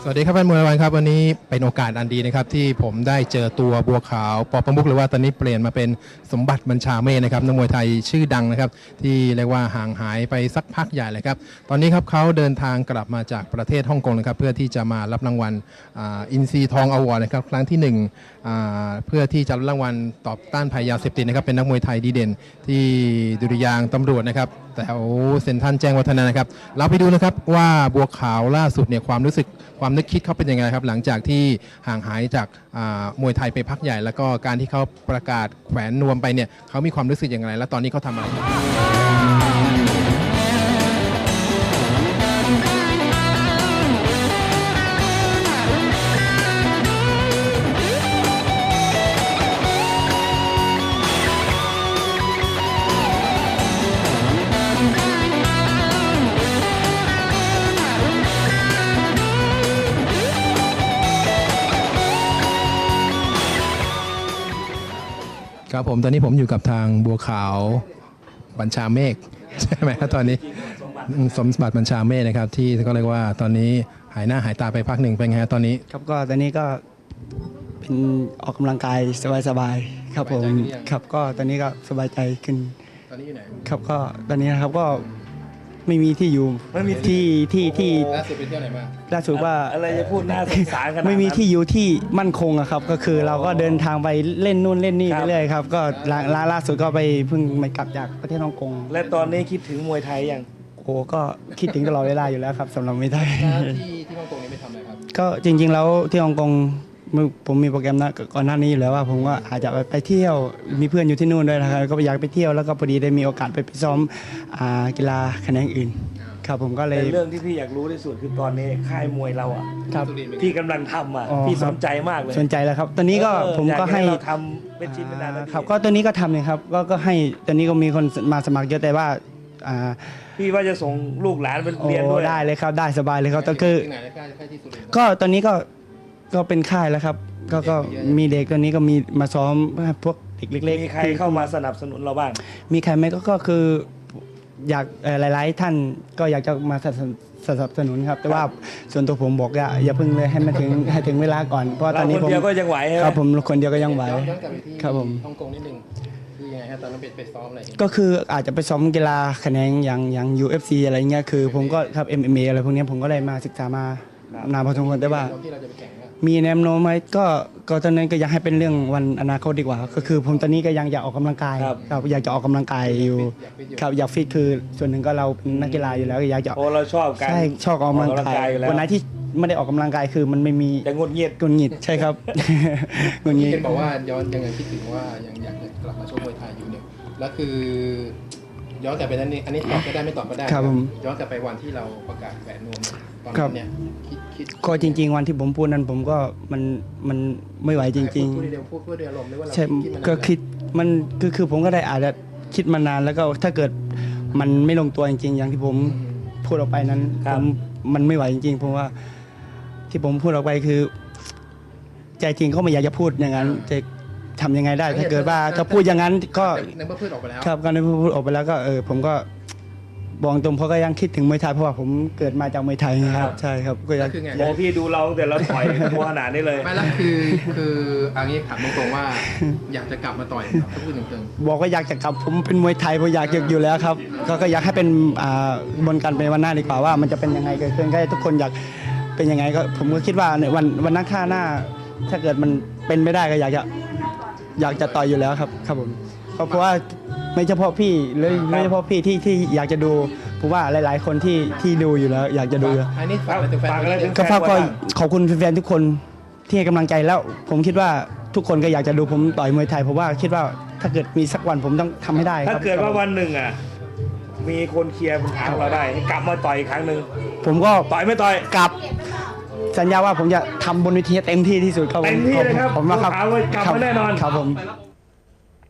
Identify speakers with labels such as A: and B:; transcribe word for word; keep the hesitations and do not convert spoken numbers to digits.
A: สวัสดีครับแฟนมวยวันครับวันนี้เป็นโอกาสอันดีนะครับที่ผมได้เจอตัวบัวขาวปอประมุขหรือว่าตอนนี้เปลี่ยนมาเป็นสมบัติบัญชาเมฆนะครับนักมวยไทยชื่อดังนะครับที่เรียกว่าห่างหายไปสักพักใหญ่เลยครับตอนนี้ครับเขาเดินทางกลับมาจากประเทศฮ่องกงนะครับเพื่อที่จะมารับรางวัลอินซีทองอวอร์ดนะครับครั้งที่หนึ่งเพื่อที่จะรับรางวัลตอบต้านภัยยาเสพติดนะครับเป็นนักมวยไทยดีเด่นที่ดุริยางค์ตำรวจนะครับแถวเซ็นทรัลแจ้งวัฒนะนะครับเราไปดูนะครับว่าบัวขาวล่าสุดเนี่ยความรู้สึกความนึกคิดเขาเป็นยังไงครับหลังจากที่ห่างหายจากมวยไทยไปพักใหญ่แล้วก็การที่เขาประกาศแขวนนวมไปเนี่ยเขามีความรู้สึกอย่างไรและตอนนี้เขาทำอะไรครับผมตอนนี้ผมอยู่กับทางบัวขาวบัญชาเมฆใช่ไหมครับตอนนี้สมบัติบัญชาเมฆนะครับที่ก็เรียกว่าตอนนี้หายหน้าหายตาไปพักหนึ่งเป็นไงตอนนี้
B: ครับก็ตอนนี้ก็เป็นออกกำลังกายสบายๆครับผมครับก็ตอนนี้ก็สบายใจขึ้น
A: ตอนนี้อยู่ไหน
B: ครับก็ตอนนี้นะครับก็ไม่มีที่อยู่ไม่มีที่ที่ที่
A: ล่าสุดไปเที่ยวไหนมา
B: ล่าสุดว่า
C: อะไรจะพูดน่าสงสารกัน
B: ไม่มีที่อยู่ที่มั่นคงอะครับก็คือเราก็เดินทางไปเล่นนู่นเล่นนี่ไปเรื่อยครับก็ล่าล่าสุดก็ไปเพิ่งมากลับจากประเทศฮ่องกง
C: และตอนนี้คิดถึงมวยไทยยัง
B: โอ้ก็คิดถึงตลอดเวลาอยู่แล้วครับสำหรับมวยไทย
A: ที่ที่ฮ่องกงนี้ไปทำอะไรครับ
B: ก็จริงๆแล้วที่ฮ่องกงผมมีโปรแกรมนะก่อนหน้านี้อยู่แล้วว่าผมก็อาจจะไปเที่ยวมีเพื่อนอยู่ที่นู่นด้วยนะครับก็อยากไปเที่ยวแล้วก็พอดีได้มีโอกาสไปซ้อมกีฬาแขนงอื่นครับผมก็เลย
C: เรื่องที่พี่อยากรู้ที่สุดคือตอนนี้ค่ายมวยเราอ่ะครับพี่กำลังทำอ่ะพี่สนใจมากเลย
B: สนใจแล้วครับตอนนี้ก็ผมก็ให้
C: เราทำเป็นชิ้นเป็นอัน
B: ครับก็ตัวนี้ก็ทำเลยครับก็ก็ให้ตอนนี้ก็มีคนมาสมัครเยอะแต่ว่า
C: พี่ว่าจะส่งลูกหลานไปเรียนด้วย
B: ได้เลยครับได้สบายเลยครับแต่คือก็ตอนนี้ก็ก็เป็นค่ายแล้วครับก็ก็มีเด็กตอนนี้ก็มีมาซ้อมพวกเด็กเล็ก
C: ๆมีใครเข้ามาสนับสนุนเราบ้าง
B: มีใครไหมก็ก็คืออยากหลายๆท่านก็อยากจะมาสนับสนุนครับแต่ว่าส่วนตัวผมบอกอย่าอย่าเพิ่งเลยให้มันถึงให้ถึงเวลาก่อนเพราะตอนนี้
C: ผมคนเดียวก็ยังไหว
B: ครับผมคนเดียวก็ยังไหวครับผม
A: ฮ่องกงนิดนึงคือยังไงฮะตอนนั้นไปซ้อมอะไร
B: ก็คืออาจจะไปซ้อมกีฬาแขนงอย่างอย่าง ยู เอฟ ซี อะไรเงี้ยคือผมก็ครับ เอ็ม เอ็ม เอ อะไรพวกนี้ผมก็ได้มาศึกษามานานพอสมควรแต่ว่ามีแนวโน้มไหมก็ก็ตอนนั้นก็อยากให้เป็นเรื่องวันอนาคตดีกว่าก็คือผมตอนนี้ก็ยังอยากออกกำลังกายครับอยากจะออกกำลังกายอยู่ครับอยากฟิตคือส่วนหนึ่งก็เราเป็นนักกีฬาอยู่แล้วอยากจะ
C: โอ้เราชอบการ
B: ใช่ชอบออกกำลังกายวันไหนที่ไม่ได้ออกกำลังกายคือมันไม่มี
C: จะงดเงียบ
B: งดเงียบใช่ครับ
A: งดเงียบเห็นบอกว่าย้อนยังไงคิดถึงว่ายังอยากจะกลับมาชกมวยไทยอยู่เนี่ยแล้วคือย้อนกลับไปนั้นนี่อันนี้ตอบก็ได้ไม่ตอบก็ได้
B: ครับผม
A: ย้อนกลับไปวันที่เราประกาศแหวนนวมตอนนั้นเนี่ยคิดคิด
B: ก็จริงๆวันที่ผมพูดนั้นผมก็มันมันไม่ไหวจริง
A: ๆพูดเดียวพูดเพื่อเดียวลมไม่ว่าเรา
B: ใช่ก็คิดมันคือคือผมก็ได้อาจจะคิดมานานแล้วก็ถ้าเกิดมันไม่ลงตัวจริงๆอย่างที่ผมพูดออกไปนั้นผมมันไม่ไหวจริงๆเพราะว่าที่ผมพูดออกไปคือใจจริงก็ไม่อยากจะพูดอย่างนั้นจะทำยังไงได้ถ้าเกิดว่าถ้าพูดอย่างนั้นก็
A: ในเมื่อพูดออกไปแล้ว
B: ครับก็ในเมื่อพูดออกไปแล้วก็เออผมก็บอกตรงเพราะก็ยังคิดถึงมวยไทยเพราะว่าผมเกิดมาจากมวยไทยครับใช่ครับ
A: ก็ยัง
C: โอ้พี่ดูเราแต่เราต่อยตัวขนาดนี้เลย
A: ไม่ละคือคืออันนี้ถามตรงๆว่าอยากจะกลับมาต่อยถ้าพูดตรง
B: ๆบอกว่าอยากจะกลับผมเป็นมวยไทยผมอยากอยู่แล้วครับก็อยากให้เป็นบนกันเป็นวันหน้าดีกว่าว่ามันจะเป็นยังไงเกิดขึ้นก็ให้ทุกคนอยากเป็นยังไงก็ผมก็คิดว่าในวันวันนักข่าหน้าถ้าเกิดมันเป็นไม่ได้ก็อยากจะอยากจะต่อยอยู่แล้วครับครับผมเพราะว่าไม่เฉพาะพี่เลยไม่เฉพาะพี่ที่ที่อยากจะดูผมว่าหลายๆคนที่ที่ดูอยู่แล้วอยากจะดู
A: อันนี้ฝากอะไรถึงแฟน
B: ก็ฝากก็ขอบคุณแฟนๆทุกคนที่ให้กำลังใจแล้วผมคิดว่าทุกคนก็อยากจะดูผมต่อยมวยไทยเพราะว่าคิดว่าถ้าเกิดมีสักวันผมต้องทำให้ได้
C: ถ้าเกิดว่าวันหนึ่งอ่ะมีคนเคลียร์ปัญหาเราได้กลับมาต่อยอีกครั้งหนึ่ง
B: ผมก็
C: ต่อยไม่ต่อย
B: กลับสัญญาว่าผมจะทำบนเวทีเต็มที่ที่สุดครับผม
C: เต็มที่เลยครับ
B: ผมนะครับ
C: กลับมาแน่นอน
B: ครับผม